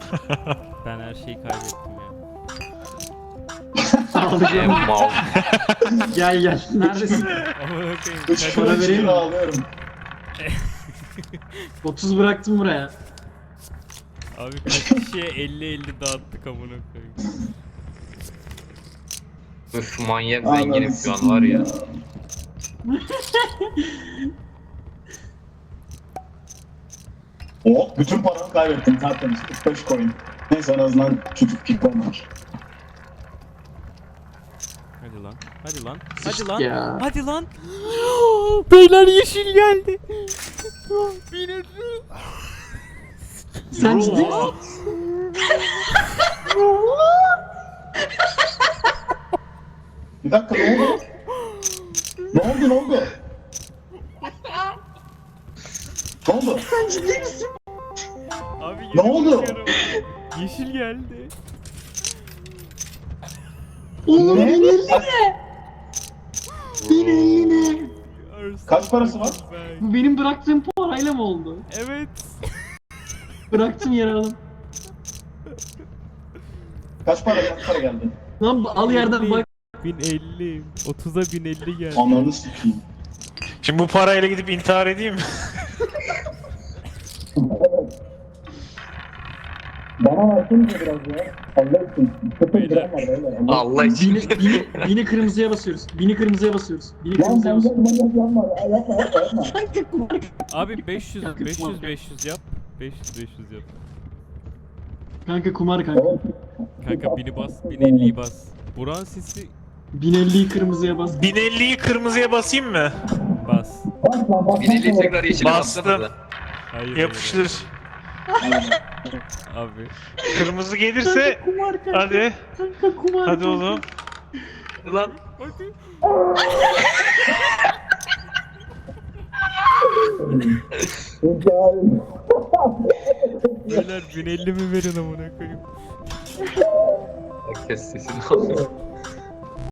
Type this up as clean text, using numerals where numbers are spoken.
Ben her şeyi kaybettim ya. Mal. Gel gel. Neredesin? Amına koyayım. 3 Para para vereyim mi? ağlıyorum. 30 bıraktım buraya. Abi kaç kişiye 50-50 dağıttık amına koyayım. Üf manyak zenginim şu an var ya. Oh, bütün paramı kaybettim tertemiz. 45 coin. Neyse en azından küçük pikon var. Hadi lan. Hadi lan. Hadi Sıçtık lan. ya. Hadi lan. Beyler yeşil geldi. Beni Sen ciddi misin? Bir dakika ne oldu? Ne oldu ne oldu? Ne oldu? Sen ciddi misin? Abi Ne oldu? bakıyorum. Yeşil geldi. Oğlum Ne? yine. Kaç parası var? Bu benim bıraktığım parayla mı oldu? Evet. Bıraktım yere alıp. Kaç para geldi? Lan al yerden bak. 1050. 30'a 1050 geldi. Ananı sikeyim. Şimdi bu parayla gidip intihar edeyim mi? Bana versene biraz ya. Allah için. Beyler. Allah için. Bini kırmızıya basıyoruz. Bini kırmızıya basıyoruz. Bini kırmızıya basıyoruz. Abi 500 yap. 500 yap. 500 yap. Kanka kumar kanka. Kanka 1000'i bas, 1050'yi bas. Buran sesi 1050'yi kırmızıya bas. 1050'yi kırmızıya basayım mı? bas. 1050 tekrar yeşile Bastım. bastınız da. Hayır. Yapıştır. Abi. Kırmızı gelirse Kumar kanka. hadi. Kanka kumar. Hadi kanka. oğlum. Lan. Hadi. Beyler 1050 mi verin amına koyayım? Herkes sesini alıyor.